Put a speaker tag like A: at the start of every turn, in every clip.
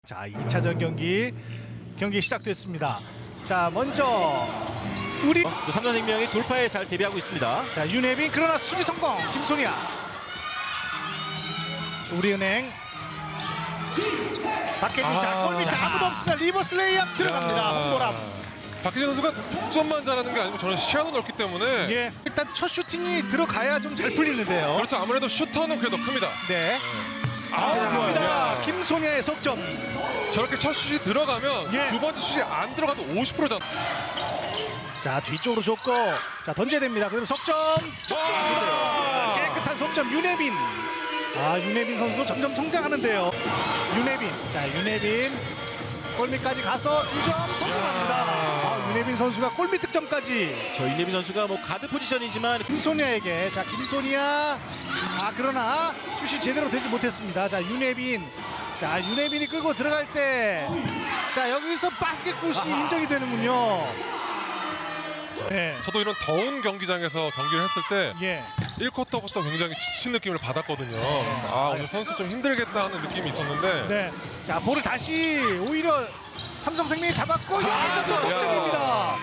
A: 자, 2차전 경기 시작됐습니다. 자, 먼저 우리
B: 삼성생명이 돌파에 잘 대비하고 있습니다.
A: 자, 윤혜빈 그러나 수비 성공. 김소니아. 우리은행 박혜진. 자, 골 밑에 아무도 없습니다. 리버스 레이업 들어갑니다. 홍보람.
C: 박혜진 선수가 득점만 잘하는 게 아니고 저는 시야도 넓기 때문에
A: 예, 일단 첫 슈팅이 들어가야 좀 잘 풀리는데요.
C: 그렇죠. 아무래도 슈터는 그게 더 큽니다.
A: 네.
C: 좋아요.
A: 자, 김소니아의 석점.
C: 저렇게 첫 슛이 들어가면
A: 예.
C: 두 번째 슛이 안 들어가도 50%잖아.
A: 자, 뒤쪽으로 줬고 자, 던져야 됩니다. 그래도 석점. 깨끗한 석점 윤혜빈. 아, 윤혜빈 선수도 점점 성장하는데요. 윤혜빈. 자, 윤혜빈 골밑까지 가서 2점 성공합니다. 아, 윤혜빈 선수가 골밑 득점까지.
B: 저 윤혜빈 선수가 뭐 가드 포지션이지만
A: 김소니아에게. 자, 김소니아. 아, 그러나 슛이 제대로 되지 못했습니다. 자, 윤혜빈. 자, 윤혜빈이 끌고 들어갈 때 자, 여기서 바스켓굿이 인정이 되는군요. 네.
C: 저도 이런 더운 경기장에서 경기를 했을 때
A: 예.
C: 1쿼터부터 굉장히 지친 느낌을 받았거든요. 아, 오늘 선수 좀 힘들겠다 하는 느낌이 있었는데
A: 네. 자, 볼을 다시 오히려 삼성생명이 잡았고 여기서 또 석점입니다.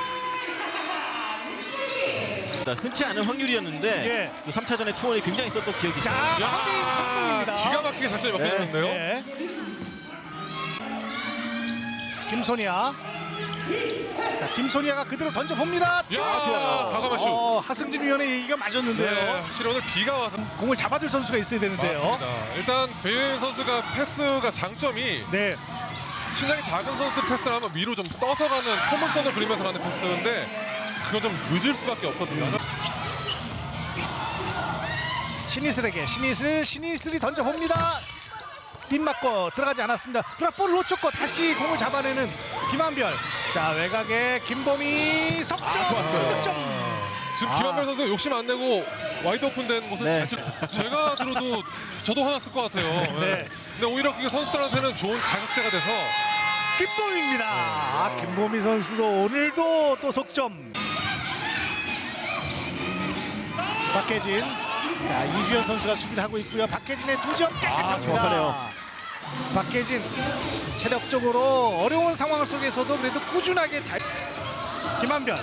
B: 흔치 않은 확률이었는데
A: 예.
B: 또 3차전에 투혼이 굉장히 썼던 기억이
A: 자,
B: 있습니다.
A: 확인 성공입니다.
C: 기가 막히게 작전이 바뀌었는데요.
A: 네. 김소니아. 자, 김소니아가 그대로 던져봅니다.
C: 야, 좋아요. 과감한 슛.
A: 하승진 위원의 얘기가 맞았는데요.
C: 네, 확실히 오늘 비가 와서
A: 공을 잡아줄 선수가 있어야 되는데요.
C: 맞습니다. 일단 배윤 선수가 패스가 장점이
A: 네.
C: 신장이 작은 선수들 패스를 하면 위로 좀 떠서 가는 포물선을 그리면서 가는 패스인데 그거 좀 늦을 수밖에 없거든요.
A: 신이슬에게 신이슬이 던져봅니다. 뒷 맞고 들어가지 않았습니다. 그러나 볼을 놓쳤고 다시 공을 잡아내는 김한별. 자, 외곽에 김범희 석점.
B: 좋았어요.
A: 득점.
C: 지금 김한별 선수가 욕심 안 내고 와이드 오픈된 모습
B: 네.
C: 제가 들어도 저도 화났을 것 같아요.
A: 네.
C: 근데 오히려 그게 선수들한테는 좋은 자극제가 돼서
A: 김범희입니다. 아, 김범희 선수도 오늘도 또 석점. 박혜진. 자, 이주연 선수가 수비를 하고 있고요. 박혜진의 2점 깨끗합니다.
B: 정확하네요.
A: 박혜진 체력적으로 어려운 상황 속에서도 그래도 꾸준하게 잘. 김한별.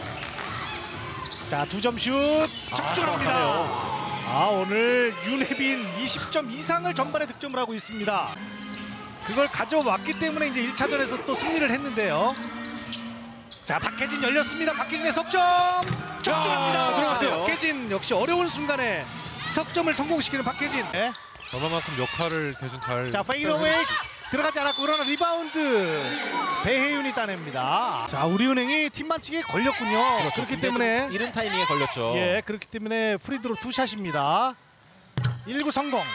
A: 자, 2점 슛 적중합니다. 아, 오늘 윤혜빈 20점 이상을 전반에 득점을 하고 있습니다. 그걸 가져왔기 때문에 이제 1차전에서 또 승리를 했는데요. 자, 박혜진 열렸습니다. 박혜진의 석점 적중합니다.
B: 들어갔어요.
A: 박혜진 역시 어려운 순간에 석점을 성공시키는 박혜진. 네.
C: 얼마만큼 역할을 대신 잘.
A: 자, 페이더웨이 들어가지 않았고 그러나 리바운드 배혜윤이 따냅니다. 자, 우리은행이 팀 반칙에 걸렸군요. 그렇기 때문에
B: 이른 타이밍에 걸렸죠.
A: 예, 그렇기 때문에 프리드로 투샷입니다. 1구 성공.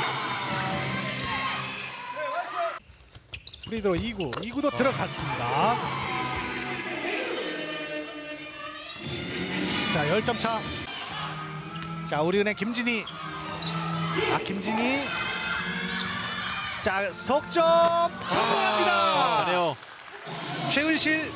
A: 프리드로 2구도 들어갔습니다. 자, 10점 차. 자, 우리은행 김진희. 아, 김진희. 자, 석점 성공합니다.
B: 잘해요.
A: 최은실.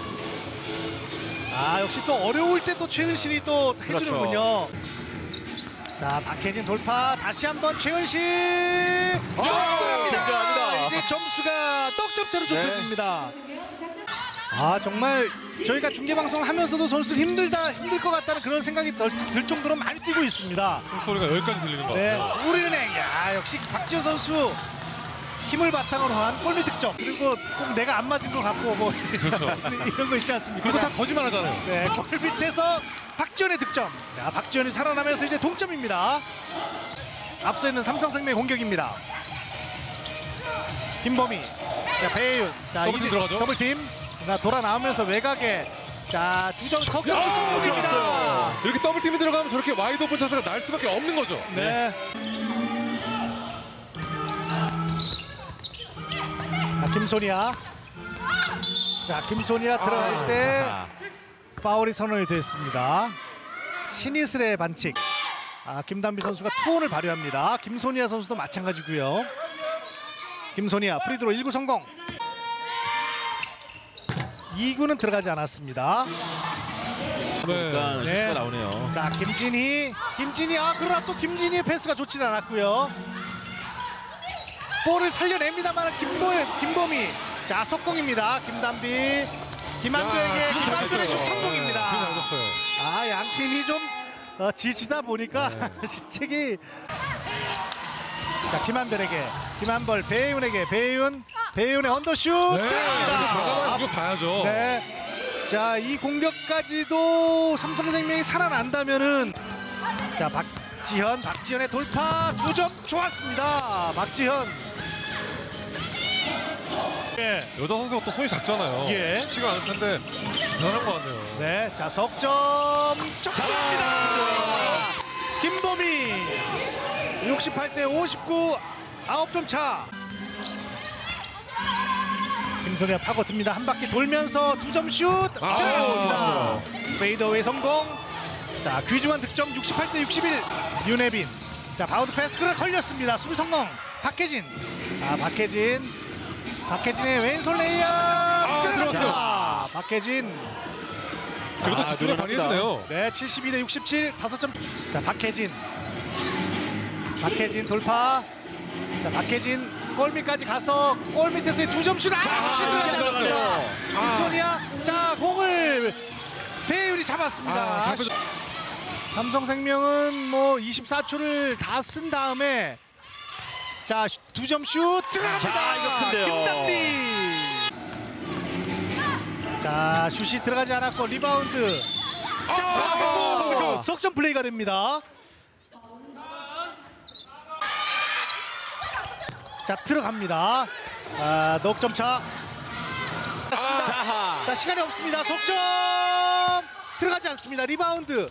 A: 아, 역시 또 어려울 때 또 최은실이 또 해주는군요. 자, 박혜진 돌파. 다시 한번 최은실.
B: 굉장합니다.
A: 이제 점수가 떡점차로 좁혀집니다. 아, 정말 저희가 중계방송을 하면서도 선수들 힘들 것 같다는 그런 생각이 들 정도로 많이 뛰고 있습니다.
C: 소리가 여기까지 들리는 것
A: 네,
C: 같아요.
A: 우리은행. 야, 역시 박지호 선수 힘을 바탕으로 한 골밑 득점. 그리고 꼭 내가 안 맞은 것 같고 뭐 이런 거 있지 않습니까?
C: 그리고 다 거짓말 하잖아요.
A: 네, 골밑에서 박지현의 득점. 자, 박지현이 살아나면서 이제 동점입니다. 앞서 있는 삼성생명 공격입니다. 김범희. 자, 배혜윤. 자,
C: 더블팀 들어가죠?
A: 더블팀. 자, 돌아 나오면서 외곽에. 자, 2점 석점 성공입니다.
C: 이렇게 더블팀이 들어가면 저렇게 와이드 오픈 찬스가 날 수밖에 없는 거죠.
A: 네. 자, 김소니아. 자, 김소니아 들어갈 때 파울이 선언이 됐습니다. 신이슬의 반칙. 아, 김단비 선수가 투혼을 발휘합니다. 김소니아 선수도 마찬가지고요. 김소니아 프리드로 1구 성공. 2구는 들어가지 않았습니다.
B: 그러니까
A: 네.
B: 실수가 나오네요.
A: 자, 김진희. 아, 그러나 또 김진희의 패스가 좋지는 않았고요. 볼을 살려냅니다만 김범희. 자, 속공입니다. 김단비. 김한규에게 김한규의 슛 성공입니다. 아, 양 팀이 좀 지치다 보니까 실책이. 자, 김한별에게 김한벌, 배윤에게 배윤의 언더슛 들어갑니다.
C: 이거 봐야죠.
A: 네. 자, 이 공격까지도 삼성생명이 살아난다면은 자, 박지현의 돌파 2점 좋았습니다. 박지현. 예.
C: 여자 선수가 또 손이 작잖아요.
A: 예.
C: 쉽지가 않을 텐데 대단한 것 같네요.
A: 네, 자, 석점 쫓깁니다. 김범희 68대 59, 9점 차. 김소리가 파고듭니다. 한 바퀴 돌면서 2점 슛 들어갔습니다. 페이더웨이 성공. 자, 귀중한 득점 68대 61. 윤혜빈. 자, 바운드 패스가 걸렸습니다. 수비 성공. 박혜진. 박혜진의 왼손 레이업 들어갔어요. 박혜진.
C: 그래도 집중을 많이 해주네요.
A: 네, 72대 67, 5점. 자, 박혜진 돌파. 자, 박혜진 골밑까지 가서 골밑에서의 2점 슛. 슛이 들어가지 않습니다. 김소니아. 자, 공을 배윤이 잡았습니다. 삼성생명은 뭐 24초를 다 쓴 다음에 자, 2점 슛 들어갑니다.
B: 자, 이거 큰데요.
A: 김단비. 자, 슛이 들어가지 않았고 리바운드. 자, 석점 플레이가 됩니다. 자, 들어갑니다. 넉점 차.
B: 자하.
A: 자, 시간이 없습니다. 석점 들어가지 않습니다. 리바운드.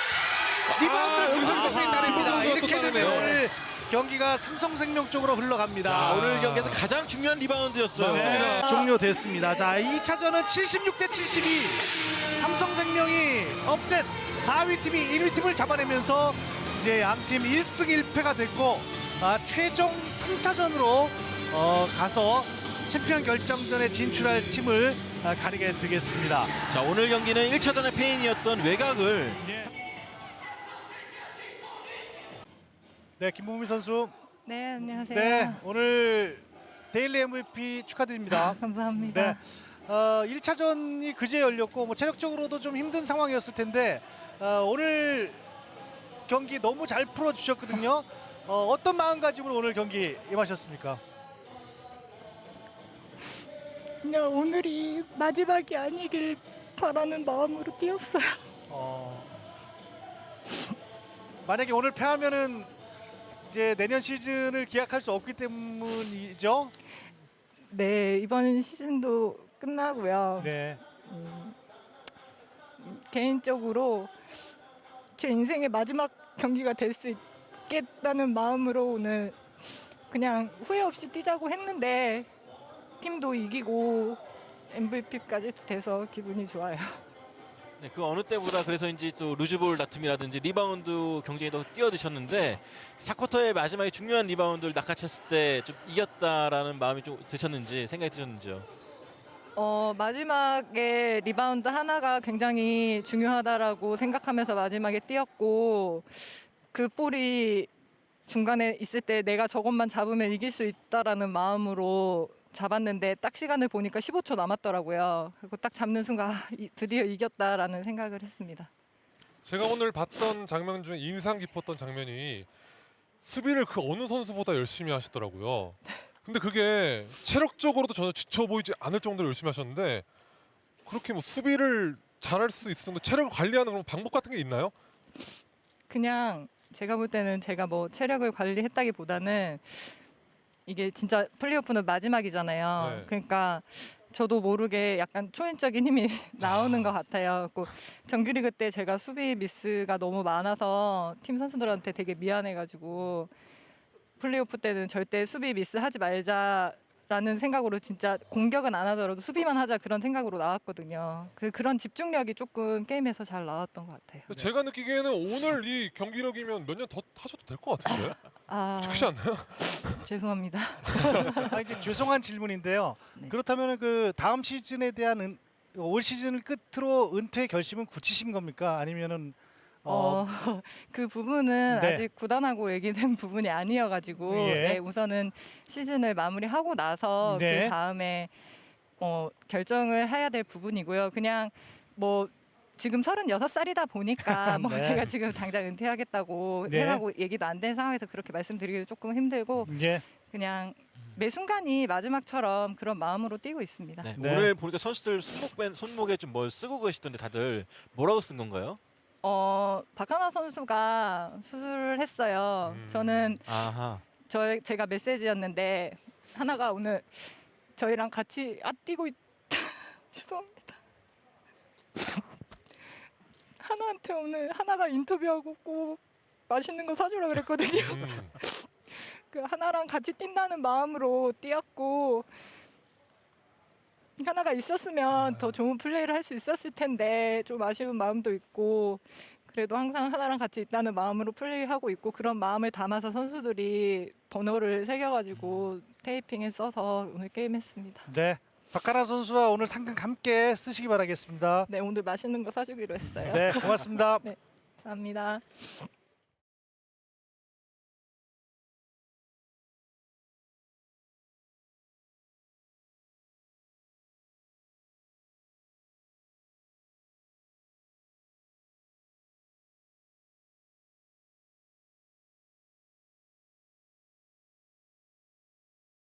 A: 삼성생명이 따냅니다. 이렇게 되면 오늘 경기가 삼성생명 쪽으로 흘러갑니다.
B: 오늘 경기에서 가장 중요한 리바운드였어요.
A: 네, 종료됐습니다. 자, 2차전은 76대 72. 삼성생명이 업셋 4위 팀이 1위 팀을 잡아내면서 이제 양팀 1승 1패가 됐고 최종 3차전으로 가서 챔피언 결정전에 진출할 팀을 가리게 되겠습니다.
B: 자, 오늘 경기는 1차전의 패인이었던 외곽을
A: 네, 김봉미 선수.
D: 네, 안녕하세요.
A: 네, 오늘 데일리 MVP 축하드립니다.
D: 감사합니다.
A: 네, 1차전이 그제 열렸고 뭐 체력적으로도 좀 힘든 상황이었을 텐데 오늘 경기 너무 잘 풀어주셨거든요. 어떤 마음가짐으로 오늘 경기 임하셨습니까?
D: 그냥 오늘이 마지막이 아니길 바라는 마음으로 뛰었어요.
A: 만약에 오늘 패하면은 이제 내년 시즌을 기약할 수 없기 때문이죠.
D: 네, 이번 시즌도 끝나고요.
A: 네.
D: 개인적으로 제 인생의 마지막 경기가 될 수 있겠다는 마음으로 오늘 그냥 후회 없이 뛰자고 했는데 팀도 이기고 MVP까지 돼서 기분이 좋아요.
B: 네, 그 어느 때보다 그래서인지 또 루즈볼 다툼이라든지 리바운드 경쟁에 더 뛰어드셨는데 4쿼터의 마지막에 중요한 리바운드를 낚아챘을 때 좀 이겼다라는 마음이 좀 드셨는지 생각이 드셨는지요?
D: 마지막에 리바운드 하나가 굉장히 중요하다라고 생각하면서 마지막에 뛰었고 그 볼이 중간에 있을 때 내가 저것만 잡으면 이길 수 있다라는 마음으로 잡았는데 딱 시간을 보니까 15초 남았더라고요. 그리고 딱 잡는 순간 드디어 이겼다라는 생각을 했습니다.
C: 제가 오늘 봤던 장면 중에 인상 깊었던 장면이 수비를 그 어느 선수보다 열심히 하시더라고요. 근데 그게 체력적으로도 전혀 지쳐 보이지 않을 정도로 열심히 하셨는데 그렇게 뭐 수비를 잘할 수 있을 정도 체력을 관리하는 그런 방법 같은 게 있나요?
D: 그냥 제가 볼 때는 제가 뭐 체력을 관리했다기보다는 이게 진짜 플레이오프는 마지막이잖아요.
C: 네.
D: 그러니까 저도 모르게 약간 초인적인 힘이 나오는 것 같아요. 정규리그 때 제가 수비 미스가 너무 많아서 팀 선수들한테 되게 미안해가지고 플레이오프 때는 절대 수비 미스 하지 말자라는 생각으로 진짜 공격은 안 하더라도 수비만 하자 그런 생각으로 나왔거든요. 그런 집중력이 조금 게임에서 잘 나왔던 것 같아요.
C: 제가 느끼기에는 오늘 이 경기력이면 몇 년 더 하셔도 될 것 같은데 그렇지 않나요?
D: 죄송합니다.
A: 이제 죄송한 질문인데요.
D: 네.
A: 그렇다면 그 다음 시즌에 대한 올 시즌을 끝으로 은퇴 결심은 굳히신 겁니까? 아니면은
D: 그 부분은
A: 네.
D: 아직 구단하고 얘기된 부분이 아니어가지고
A: 예.
D: 네, 우선은 시즌을 마무리하고 나서
A: 네.
D: 그 다음에 결정을 해야 될 부분이고요. 그냥 뭐 지금 36살이다 보니까 뭐
A: 네.
D: 제가 지금 당장 은퇴하겠다고
A: 네.
D: 하고 얘기도 안 된 상황에서 그렇게 말씀드리기도 조금 힘들고
A: 예.
D: 그냥 매 순간이 마지막처럼 그런 마음으로 뛰고 있습니다.
B: 네.
A: 네.
B: 오늘 보니까 선수들 손목에 좀 뭘 쓰고 계시던데 다들 뭐라고 쓴 건가요?
D: 박하나 선수가 수술을 했어요. 저는
B: 아하.
D: 제가 메시지였는데 하나가 오늘 저희랑 같이 뛰고 죄송합니다. 하나한테 오늘 하나가 인터뷰하고 꼭 맛있는 거 사주라 그랬거든요. 그 하나랑 같이 뛴다는 마음으로 뛰었고 하나가 있었으면 더 좋은 플레이를 할 수 있었을 텐데 좀 아쉬운 마음도 있고 그래도 항상 하나랑 같이 있다는 마음으로 플레이하고 있고 그런 마음을 담아서 선수들이 번호를 새겨가지고 테이핑에 써서 오늘 게임했습니다.
A: 네. 박하나 선수와 오늘 상금 함께 쓰시기 바라겠습니다.
D: 네, 오늘 맛있는 거 사주기로 했어요.
A: 네, 고맙습니다.
D: 감사합니다.